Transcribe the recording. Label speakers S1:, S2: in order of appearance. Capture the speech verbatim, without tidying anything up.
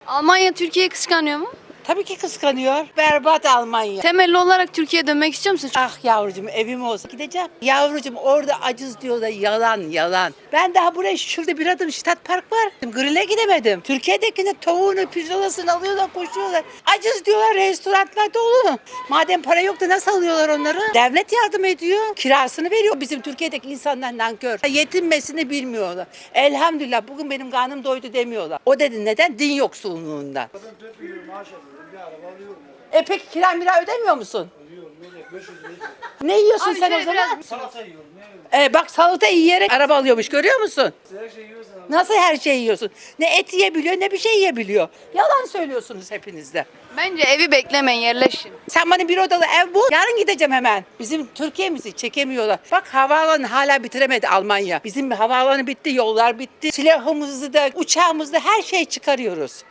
S1: Almanya Türkiye'yi kıskanıyor mu?
S2: Tabii ki kıskanıyor. Berbat Almanya.
S1: Temelli olarak Türkiye'ye dönmek istiyor musun?
S2: Ah yavrucuğum evim olsa gideceğim. Yavrucuğum orada acız diyor da yalan yalan. Ben daha buraya şurada bir adım Ştat Park var. Grill'e gidemedim. Türkiye'dekine tavuğunu, pirzolasını alıyorlar koşuyorlar. Acız diyorlar restoranlar dolu. Madem para yok da nasıl alıyorlar onları? Devlet yardım ediyor. Kirasını veriyor. Bizim Türkiye'deki insanlar nankör. Yetinmesini bilmiyorlar. Elhamdülillah bugün benim karnım doydu demiyorlar. O dedi neden? Din yoksulluğundan. E peki kira mira ödemiyor musun? Ne yiyorsun
S1: Abi
S2: sen o
S1: şöyle
S2: zaman?
S1: biraz-
S3: Salata yiyorum. Ne yiyorum?
S2: Ee, bak salata yiyerek araba alıyormuş görüyor musun?
S3: Her şeyi yiyorsan abi.
S2: Nasıl her şeyi yiyorsun? Ne et yiyebiliyor ne bir şey yiyebiliyor. Yalan söylüyorsunuz hepiniz de.
S1: Bence evi beklemeyin, yerleşin.
S2: Sen bana bir odalı ev bul. Yarın gideceğim hemen. Bizim Türkiye'mizi çekemiyorlar. Bak havaalanı hala bitiremedi Almanya. Bizim havaalanı bitti, yollar bitti. Silahımızı da, uçağımızı da her şey çıkarıyoruz.